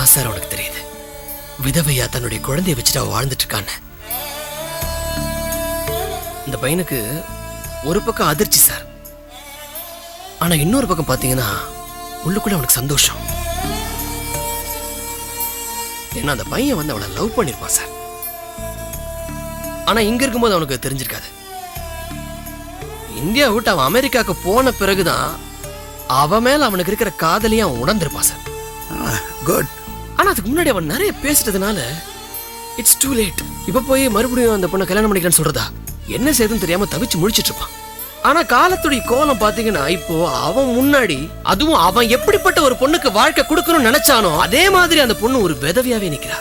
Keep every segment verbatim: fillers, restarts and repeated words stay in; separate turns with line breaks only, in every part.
இப்பதான் சார் உனக்கு தெரியுது விதவையா தன்னுடைய குழந்தைய வச்சுட்டு அவ வாழ்ந்துட்டு இருக்கான்னு. இந்த பையனுக்கு ஒரு பக்கம் அதிர்ச்சி சார், ஆனா இன்னொரு பக்கம் பாத்தீங்கன்னா உள்ளுக்குள்ள அவனுக்கு சந்தோஷம். ஏன்னா அந்த பையன் வந்து அவளை லவ் பண்ணிருப்பான் சார். ஆனா இங்க இருக்கும்போது அவனுக்கு தெரிஞ்சிருக்காது. இந்தியா விட்டு அவன் அமெரிக்காவுக்கு போன பிறகுதான் அவன் மேல அவனுக்கு இருக்கிற காதலியை அவன் உணர்ந்திருப்பான் சார்.
குட்.
ஆனா அதுக்கு முன்னாடி அவன் நிறைய பேசிட்டதுனால இட்ஸ் டூ லேட். இப்ப போய் மறுபடியும் அந்த பொண்ணை கல்யாணம் பண்ணிக்கலான்னு சொல்றதா என்ன செய்யுதுன்னு தெரியாம தவிச்சு முழிச்சிட்டு இருப்பான். ஆனா காலத்துடைய கோலம் பாத்தீங்கன்னா இப்போ அவன் முன்னாடி, அதுவும் அவன் எப்படிப்பட்ட ஒரு பொண்ணுக்கு வாழ்க்கை கொடுக்கணும்னு நினைச்சானோ அதே மாதிரி அந்த பொண்ணு ஒரு விதவையாவே நிக்கிறா.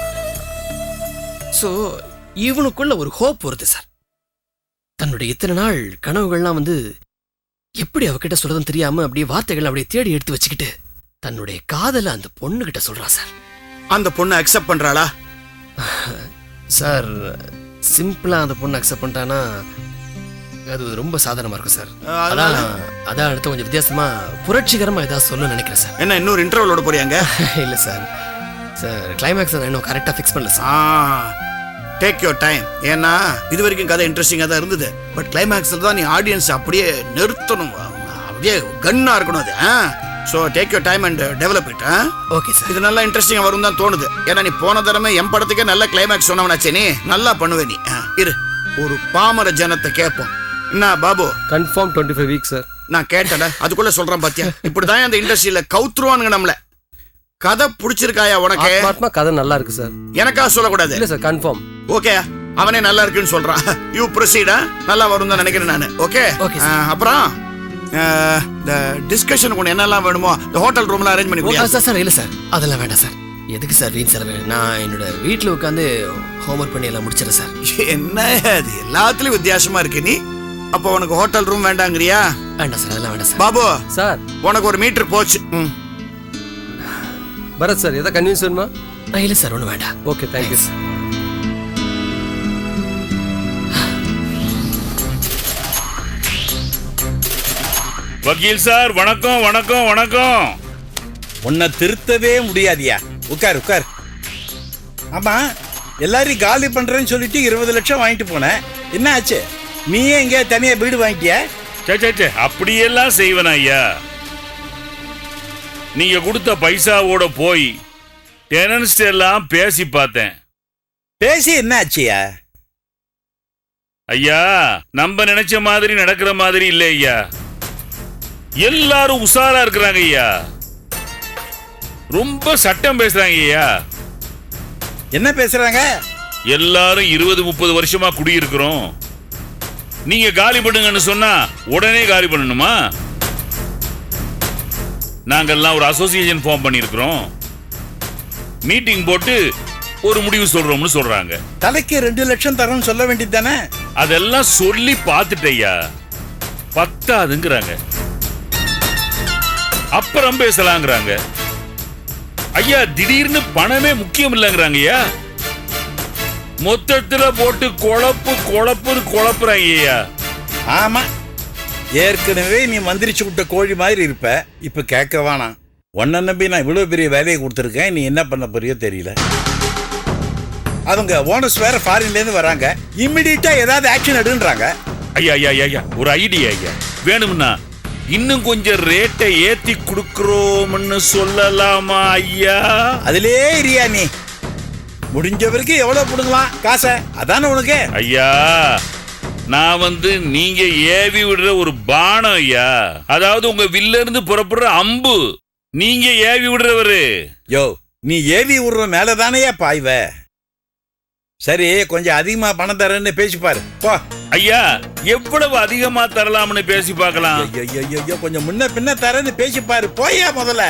சோ இவனுக்குள்ள ஒரு ஹோப் வருது சார். தன்னுடைய இத்தனை நாள் கனவுகள்லாம் வந்து எப்படி அவகிட்ட சொல்றதுன்னு தெரியாம அப்படியே வார்த்தைகள் அப்படியே தேடி எடுத்து வச்சுக்கிட்டு தன்னுடைய காதல அந்த பொண்ணு கிட்ட சொல்றான் சார்.
அந்த பொண்ணு அக்செப்ட் பண்றாளா?
சார் சிம்பிளா அந்த பொண்ணு அக்செப்ட் பண்ணிட்டானா அது ரொம்ப சாதாரணமா இருக்கும் சார். அதான் அதான் அடுத்த கொஞ்சம் வித்தியாசமா புரட்சிகரமா ஏதாவது சொல்ல நினைக்கிறேன் சார்.
என்ன இன்னொரு இன்டர்வலோட போறியாங்க?
இல்ல சார், சார் கிளைமேக்ஸ் நான் இன்னும் கரெக்டா ஃபிக்ஸ் பண்ணல சார்.
Take your time. ஏன்னா இது வரைக்கும் கதை இன்ட்ரெஸ்டிங்கா தான் இருந்தது. பட் கிளைமேக்ஸ்ல தான் நீ ஆடியன்ஸ் அப்படியே நிறுத்தணும், அப்படியே கன்னா இருக்கணும் அது. So take your time and develop it.
Okay sir.
இது நல்லா இன்ட்ரெஸ்டிங்கா வரும் தான் தோணுது. ஏன்னா நீ போன தடவை என் படத்துக்கே நல்ல கிளைமேக்ஸ் சொன்னவனாச்சே, நீ நல்லா பண்ணுவே. நீ இரு, ஒரு பாமர ஜனத்தை கேட்போம். என்ன Babu?
Confirm twenty five weeks sir.
நான் கேட்டேன், அதுக்குள்ள சொல்றேன் பாத்தியா. இப்படிதான் அந்த இண்டஸ்ட்ரியில கவுத்துருவானுங்க நம்மள. கதை பிடிச்சிருக்காயா உனக்கு?
ஆத்மாத்மா கதை நல்லா இருக்கு சார்.
எனக்கா சொல்லக்கூடாது?
இல்ல சார், கன்ஃபார்ம்.
ஓகே, அவனே நல்லா இருக்குன்னு சொல்றான். You proceed. நல்லா வரும் தான் நினைக்கிறேன் நான். ஓகே, அப்புறம் இந்த டிஸ்கஷன் கொண்டு என்னெல்லாம் வேணுமோ இந்த ஹோட்டல் ரூம்ல அரேஞ்ச் பண்ணி கொடுங்க
சார். சார் இல்ல சார், அதெல்லாம் வேண்டாம் சார். எதுக்கு சார் வீண் செலவு? நான் என்னோட வீட்டில் உட்காந்து ஹோம்ஒர்க் பண்ணி எல்லாம் முடிச்சிடறேன் சார்.
என்ன அது எல்லாத்துலயும் வித்தியாசமா இருக்கு நீ. அப்போ உனக்கு ஹோட்டல் ரூம் வேண்டாங்கிறியா?
வேண்டாம் சார், அதெல்லாம் வேண்டாம் சார்.
பாபு
சார்,
உனக்கு ஒரு மீட்டர் போச்சு.
பரத் சார், எதாவது கன்வின்ஸ் வேணுமா?
இல்ல சார், ஒன்றும் வேண்டாம்.
Okay, thank you sir.
வக்கீல் சார் வணக்கம் வணக்கம் வணக்கம்.
உன்னை திருத்தவே முடியாதியா. உட்கார் உட்கார். ஆமா, எல்லாரையும் காலி பண்றேன்னு சொல்லிட்டு இருபது லட்சம் வாங்கிட்டு போனேன். என்ன ஆச்சு? நீயே எங்க தனியா வீடு வாங்கிட்டியா?
சே அப்படியெல்லாம் செய்வனா ஐயா? நீங்க கொடுத்த பைசாவோட போய் டெனன்ஸ் எல்லாம் பேசி பார்த்தேன்.
பேசி என்ன ஆச்சியா?
ஐயா, நம்ம நினைச்ச மாதிரி நடக்கிற மாதிரி இல்லை ஐயா. எல்லாரும் உஷாரா இருக்கிறாங்க ஐயா. ரொம்ப சட்டம் பேசுறாங்க ஐயா.
என்ன பேசுறாங்க?
எல்லாரும் இருபது முப்பது வருஷமா குடியிருக்கிறோம், நீங்க காலி பண்ணுங்கன்னு சொன்னா உடனே காலி பண்ணணுமா? நாங்கெல்லாம் ஒரு அசோசியேஷன் ஃபார்ம் பண்ணியிருக்கிறோம், மீட்டிங் போட்டு ஒரு முடிவு சொல்றோம்னு சொல்றாங்க.
தலைக்கு ரெண்டு லட்சம் தரோம்னு சொல்ல வேண்டியது தானே?
அதெல்லாம் சொல்லி பார்த்துட்டேயா, பத்தாதுங்கிறாங்க. அப்புறம் பேசலாங்கிறாங்க ஐயா. திடீர்னு பணமே முக்கியம் இல்லைங்கிறாங்க ஐயா. மொத்தத்துல போட்டு குழப்பு குழப்புன்னு குழப்புறாங்க ஐயா.
ஆமா, ஏற்கனவே நீ மந்திரிச்சு விட்ட கோழி மாதிரி இருப்ப. இப்ப கேட்க வேணாம். உன்னை நம்பி நான் இவ்வளவு பெரிய வேலையை கொடுத்துருக்கேன். நீ என்ன பண்ண போறியோ தெரியல. அவங்க ஓனர்ஸ் வேற ஃபாரின்ல இருந்து வராங்க. இம்மிடியட்டா ஏதாவது ஆக்ஷன் எடுன்றாங்க.
ஐயா ஐயா ஐயா, ஒரு ஐடியா ஐயா. வேணும்னா இன்னும் கொஞ்சம் ரேட்டை ஏத்தி குடுக்கறோம்னு சொல்லலாமா ஐயா?
அதிலே இரியா நீ. முடிஞ்ச வரைக்கும் எவ்வளவு புடுங்கலாம் காசை, அதானே உனக்கு?
ஐயா, நான் வந்து நீங்க ஏவி விடுற ஒரு பானம் ஐயா. அதாவது உங்க வில்ல இருந்து புறப்படுற அம்பு, நீங்க ஏவி விடுறவரு.
யோ, நீ ஏவி விடுற மேலதானேயா பாய்வ. சரி, கொஞ்சம் அதிகமா பணம் தரேன்னு பேசி பாரு போ.
ஐயா, எவ்வளவு அதிகமா தரலாம்னு பேசி பார்க்கலாம்.
ஐயோ, கொஞ்சம் முன்ன பின்ன தரேன்னு பேசி பாரு போயா முதல்ல.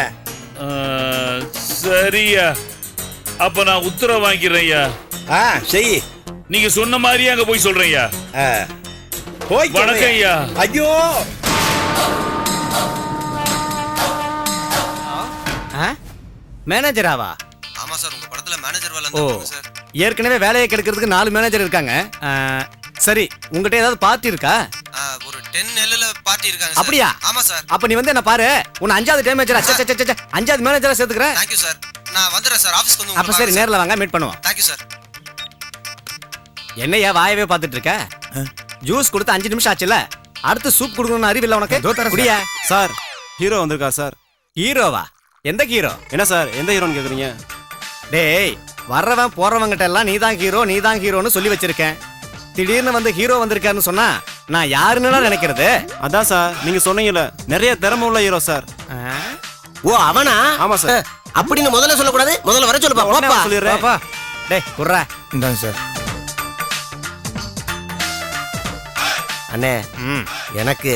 சரியா, அப்ப நான் உத்தரவு வாங்கிக்கிறேன் ஐயா.
ஆ சரி,
நீங்க சொன்ன மாதிரியே அங்க போய் சொல்றேன் ஐயா.
போய்
வணக்கம் ஐயா.
ஐயோ,
மேனேஜராவா?
ஆமா சார், உங்க படத்துல மேனேஜர் வேலை இருந்தாங்க சார்.
ஏற்கனவே வேலையை கெடுக்கிறதுக்கு நாலு மேனேஜர் இருக்காங்க. சரி, உங்ககிட்ட ஏதாவது பார்ட்டி இருக்கா?
ஒரு டென் எல்ல பார்ட்டி இருக்காங்க.
அப்படியா?
ஆமா சார்.
அப்ப நீ வந்து என்ன பாரு, உன்னை அஞ்சாவது டேமேஜரா அஞ்சாவது மேனேஜரா சேர்த்துக்கிறேன்.
Thank you sir. நான் வந்துடுறேன் சார் ஆஃபீஸ்க்கு வந்து
அப்ப சரி நேர்ல வாங்க மீட் பண்ணுவோம்.
Thank you sir.
என்னையா வாயவே பார்த்துட்டு இருக்க? ஜூஸ் கொடுத்து அஞ்சு நிமிஷம் ஆச்சுல, அடுத்து சூப் கொடுக்கணும்னு அறிவில்லை உனக்கு? குடியா
சார், ஹீரோ வந்திருக்கா சார்.
ஹீரோவா? எந்த ஹீரோ?
என்ன சார், எந்த ஹீரோன்னு கேக்குறீங்க?
டேய், வர்றவன் போறவங்கிட்ட எல்லாம் நீதான் ஹீரோ நீதான் ஹீரோன்னு சொல்லி வச்சிருக்கேன். திடீர்னு வந்து ஹீரோ வந்திருக்காருன்னு சொன்னா நான் யாருன்னு நினைக்கிறது?
அதான் சார், நீங்க சொன்னீங்கல்ல, நிறைய திறமை உள்ள ஹீரோ சார்.
ஓ அவனா?
ஆமா சார்.
அப்படின்னு முதல்ல சொல்லக்கூடாது, முதல்ல வர சொல்லுப்பா.
உடனே
போப்பா.
சொல்லிடுறேன்.
பாப்பா, டேய் குர்ரா.
இந்தாங்க சார்.
அண்ணே,
ம்
எனக்கு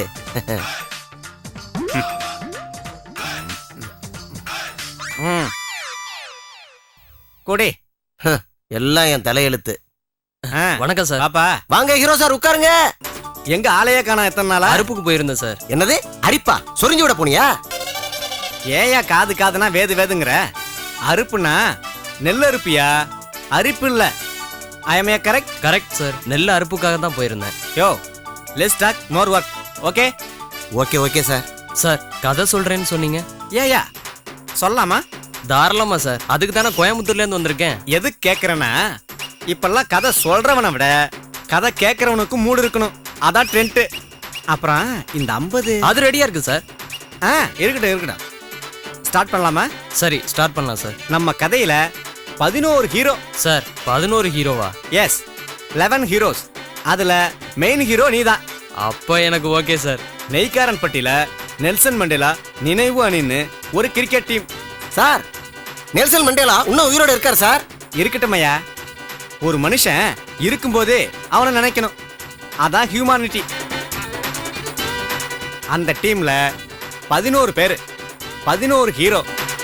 ம் குடி.
எல்லாம் என் தலையெழுத்து.
ஆ,
வணக்கம் சார்.
பாப்பா,
வாங்க ஹீரோ சார், உட்காருங்க.
எங்க ஆளையே காணோம் எத்தனை நாளா?
அறுப்புக்கு போயிருந்தேன் சார்.
என்னது அரிப்பா? சொரிஞ்சு விட போனியா?
ஏயா காது காதுனா வேது வேதுங்கிற? அறுப்புனா நெல் அறுப்பியா, அரிப்பு இல்ல. I am a correct?
Correct sir. நெல் அறுப்புக்காக தான் போயிருந்தேன்.
Yo, let's talk more work. Okay
okay okay sir.
Sir, கதை சொல்றேன்னு சொன்னீங்க.
ஏயா சொல்லலாமா?
தாராளமா சார். அதுக்கு தானே கோயம்புத்தூர்ல இருந்து வந்திருக்கேன்.
எது கேக்குறேன்னா, இப்பெல்லாம் கதை சொல்றவனை விட கதை கேட்கறவனுக்கு மூடு இருக்கணும். அதான் ட்ரெண்ட். அப்புறம் இந்த ஐம்பது
அது ரெடியா இருக்கு சார்.
ஆ இருக்கட்டும் இருக்கட்டும். ஸ்டார்ட் பண்ணலாமா?
சரி, ஸ்டார்ட் பண்ணலாம் சார்.
நம்ம கதையில பதினோரு ஹீரோ.
சார், பதினோரு ஹீரோவா?
Yes, eleven heroes. அதுல மெயின் ஹீரோ நீதான்.
அப்ப எனக்கு ஓகே சார்.
நெய்க்காரன் பட்டியல நெல்சன் மண்டேலா நினைவு அணின்னு ஒரு cricket team.
Sir, Nelson Mandela இன்னும் உயிரோட இருக்கார் சார்.
இருக்கட்டும் ஐயா, ஒரு மனுஷன் இருக்கும்போதே அவனை நினைக்கணும். அதான் ஹியூமானிட்டி. அந்த டீம்ல பதினோரு பேரு, பதினோரு ஹீரோ.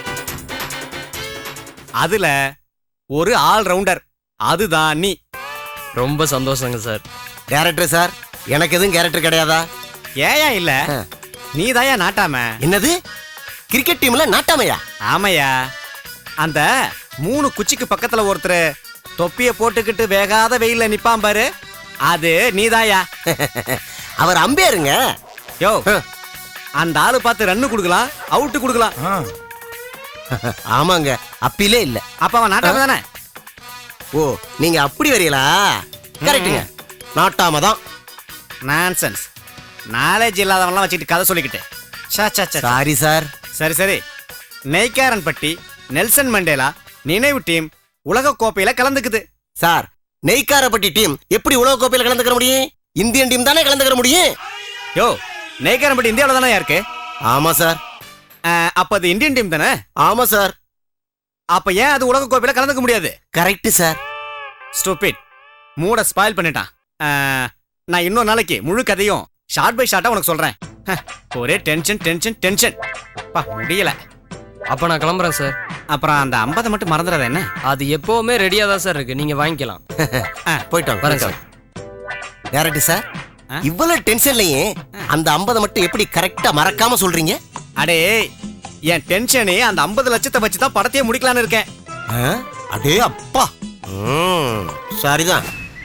அதுல ஒரு ஆல் ரவுண்டர், அதுதான் நீ.
ரொம்ப சந்தோஷங்க சார்.
கேரக்டர் சார், எனக்கு எதுவும் கேரக்டர் கிடையாதா?
ஏயா இல்ல, நீதாயா நாட்டாம.
என்னது, கிரிக்கெட் டீம்ல நாட்டாமையா?
ஆமையா, அந்த மூணு குச்சிக்கு பக்கத்துல ஒருத்தர் தொப்பிய போட்டுக்கிட்டு வேகாத வெயில்ல நிப்பான் பாரு, அது நீதாயா.
அவர் அம்பேருங்க.
யோ, அந்த ஆளு பார்த்து ரன்னு கொடுக்கலாம், அவுட்டு கொடுக்கலாம்.
ஆமாங்க, அப்பிலே இல்ல.
அப்ப அவன் நாட்டாம தானே?
ஓ, நீங்க அப்படி வரீங்களா? கரெக்டுங்க, நாட்டாம தான்.
நான்சென்ஸ். நாலேஜ் இல்லாதவன்லாம் வச்சுக்கிட்டு கதை சொல்லிக்கிட்டு. சா சா சா.
Sorry sir.
சரி சரி. நெய்க்காரன் பட்டி நெல்சன் மண்டேலா நினைவு டீம் உலக கோப்பையில கலந்துக்குது.
சார், நெய்க்காரப்பட்டி டீம் எப்படி உலக கோப்பையில கலந்துக்கிற முடியும்? இந்தியன் டீம் தானே கலந்துக்கிற முடியும்.
யோ, நெய்க்காரன் பட்டி இந்தியாவில தானே இருக்கு?
ஆமா சார்.
அப்ப அது இந்தியன் டீம் தானே?
ஆமா சார்.
அப்ப ஏன் அது உலக கோப்பையில கலந்துக்க முடியாது?
Correct sir.
Stupid, mood spoil பண்ணிட்டான். ஆ, நான் இன்னொரு நாளைக்கு முழு கதையும் ஷார்ட் பை ஷார்ட்டா உனக்கு சொல்றேன். ஹ, ஒரே டென்ஷன் டென்ஷன் டென்ஷன். பா முடியல.
அப்ப நான் கிளம்புறேன் சார்.
அப்புறம் அந்த ஐம்பதை மட்டும் மறந்துடாத என்ன?
அது எப்பவுமே ரெடியா தான் சார் இருக்கு. நீங்க வாங்கிக்கலாம்.
போயிட்டு வாங்க.
வரேன் சார்.
டேரக்டர் சார், இவ்வளவு டென்ஷன்லயும் அந்த ஐம்பதை மட்டும் எப்படி கரெக்டா மறக்காம சொல்றீங்க?
அடே, என் டென்ஷனே அந்த ஐம்பது லட்சத்தை வச்சு தான் படத்தையே முடிக்கலான்னு இருக்கேன்.
அடே அப்பா. ம், சரிதான்.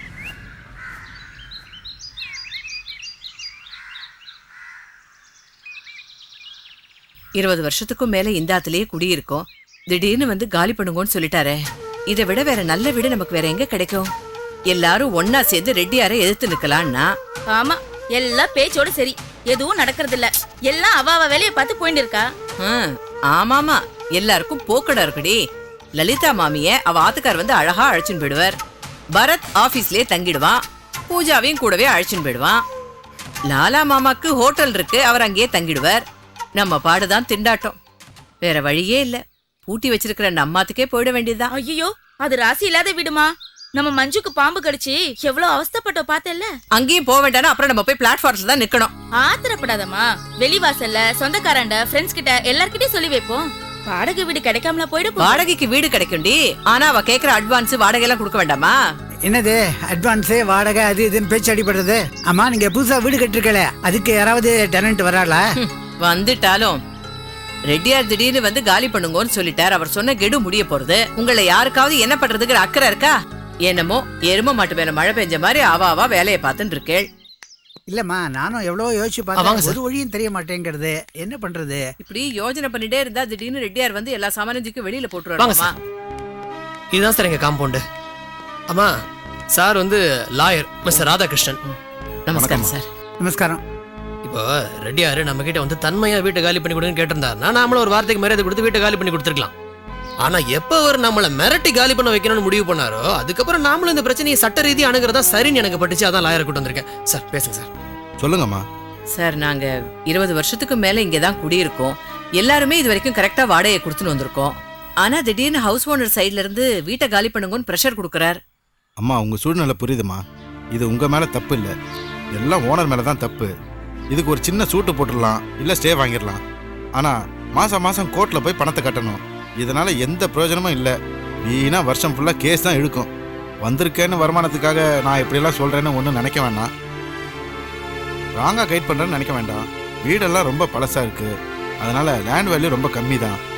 இருபது வருஷத்துக்கும் மேல இந்த ஆத்துலயே குடியிருக்கோம். திடீர்னு வந்து காலி பண்ணுங்கன்னு சொல்லிட்டாரே. இதை விட வேற நல்ல வீடு நமக்கு வேற எங்க கிடைக்கும்? எல்லாரும் ஒன்னா சேர்ந்து ரெட்டியார எதிர்த்து நிக்கலாம்னா.
ஆமா, எல்லாம் பேச்சோட சரி, எதுவும் நடக்கிறது இல்ல. எல்லாம் அவ அவ வேலையை பார்த்து போயிட்டு இருக்கா.
ஆமாமா, எல்லாருக்கும் போக்கடா இருக்குடி. லலிதா மாமிய அவ ஆத்துக்கார் வந்து அழகா அழைச்சுன்னு போயிடுவார். பரத் ஆபீஸ்லயே தங்கிடுவான். பூஜாவையும் கூடவே அழைச்சுன்னு போயிடுவான். லாலா மாமாக்கு ஹோட்டல் இருக்கு, அவர் அங்கேயே தங்கிடுவார். நம்ம பாடுதான் திண்டாட்டம். வேற வழியே இல்ல. பூட்டி வச்சிருக்கிற நம்மாத்துக்கே போயிட வேண்டியதுதான்.
ஐயோ, அது ராசி இல்லாத வீடுமா. நம்ம மஞ்சுக்கு பாம்பு கடிச்சு எவ்வளவு அவஸ்தப்பட்டோம் பார்த்தேல்ல.
அங்கேயும் போக வேண்டாம், அப்புறம் நம்ம போய் பிளாட்ஃபார்ம்ல தான் நிக்கணும்.
ஆத்திரப்படாதம்மா, வெளிவாசல்ல சொந்தக்காரண்ட ஃப்ரெண்ட்ஸ் கிட்ட எல்லார்கிட்டயும் சொல்லி வைப்போம். வாடகை வீடு கிடைக்காமல போயிடும்.
வாடகைக்கு வீடு கிடைக்கும்டி, ஆனா அவ கேக்குற அட்வான்ஸ் வாடகை எல்லாம் கொடுக்க வேண்டாமா?
என்னது அட்வான்ஸு வாடகை அது இதுன்னு பேச்சு அடிபடுறது? ஆமா, நீங்க புதுசா வீடு கட்டிருக்கல, அதுக்கு யாராவது டெனன்ட் வராளா?
வந்துட்டாலும் ரெட்டியார் திடீர்னு வந்து காலி பண்ணுங்கன்னு சொல்லிட்டார். அவர் சொன்ன கெடு முடிய போறது. உங்களை யாருக்காவது என்ன பண்றதுக்கு அக்கறை இருக்கா? என்னமோ எரும மாட்டு மேல மழை பெஞ்ச மாதிரி அவ அவா வேலையை பார்த்துட்டு இருக்கேள்.
இல்லம்மா நானும் எவ்வளவோ யோசிச்சு
வாங்க
பார்த்தேன்
சார்.
ஒரு வழியும் தெரிய மாட்டேங்கிறது என்ன பண்றது
இப்படி யோஜனை பண்ணிட்டே இருந்தா திடீர்னு ரெட்டியார் வந்து எல்லா சாமானியத்துக்கும் வெளியில
வாங்க
போட்டுருவாங்க
சார். இதுதான் சார் எங்க காம்பவுண்டு. அம்மா சார் வந்து லாயர் மிஸ்டர் ராதாகிருஷ்ணன்.
நமஸ்காரம் சார்.
நமஸ்காரம்.
இப்போ ரெட்டியாரு நம்ம கிட்ட வந்து தன்மையா வீட்டை காலி பண்ணி கொடுங்கன்னு கேட்டிருந்தாருன்னா நாமளும் ஒரு வார்த்தைக்கு மரியாதை கொடுத்து வீட்டை காலி பண்ணி கொடுத்துருக்கலாம். ஆனா எப்ப அவர் நம்மள மிரட்டி காலி பண்ண வைக்கணும்னு முடிவு பண்ணாரோ அதுக்கப்புறம் நாமளும் இந்த பிரச்சனையை சட்ட ரீதியா அணுகிறதா சரின்னு எனக்கு பட்டுச்சு. அதான் லாயரை கூட்டு வந்திருக்கேன். சார் பேசுங்க சார்.
சொல்லுங்கம்மா.
சார் நாங்க இருபது வருஷத்துக்கு மேல இங்கதான் குடியிருக்கோம். எல்லாருமே இது வரைக்கும் கரெக்டா வாடகையை கொடுத்துன்னு வந்திருக்கோம். ஆனா திடீர்னு ஹவுஸ் ஓனர் சைட்ல இருந்து வீட்டை காலி பண்ணுங்கன்னு ப்ரெஷர் கொடுக்குறார்.
அம்மா உங்க சூழ்நிலை புரியுதுமா. இது உங்க மேல தப்பு இல்லை, எல்லாம் ஓனர் மேல தான் தப்பு. இதுக்கு ஒரு சின்ன சூட்டு போட்டுடலாம், இல்லை ஸ்டே வாங்கிடலாம். ஆனால் மாதம் மாதம் கோர்ட்டில் போய் பணத்தை கட்டணும். இதனால் எந்த பிரயோஜனமும் இல்லை. வீணா வருஷம் ஃபுல்லாக கேஸ் தான் இழுக்கும். வந்திருக்கேன்னு வருமானத்துக்காக நான் இப்படியெல்லாம் சொல்கிறேன்னு ஒன்றும் நினைக்க வேண்டாம். ராங்காக கைட் பண்ணுறேன்னு நினைக்க வேண்டாம். வீடெல்லாம் ரொம்ப பழசாக இருக்குது. அதனால் லேண்ட் வேல்யூ ரொம்ப கம்மி தான்.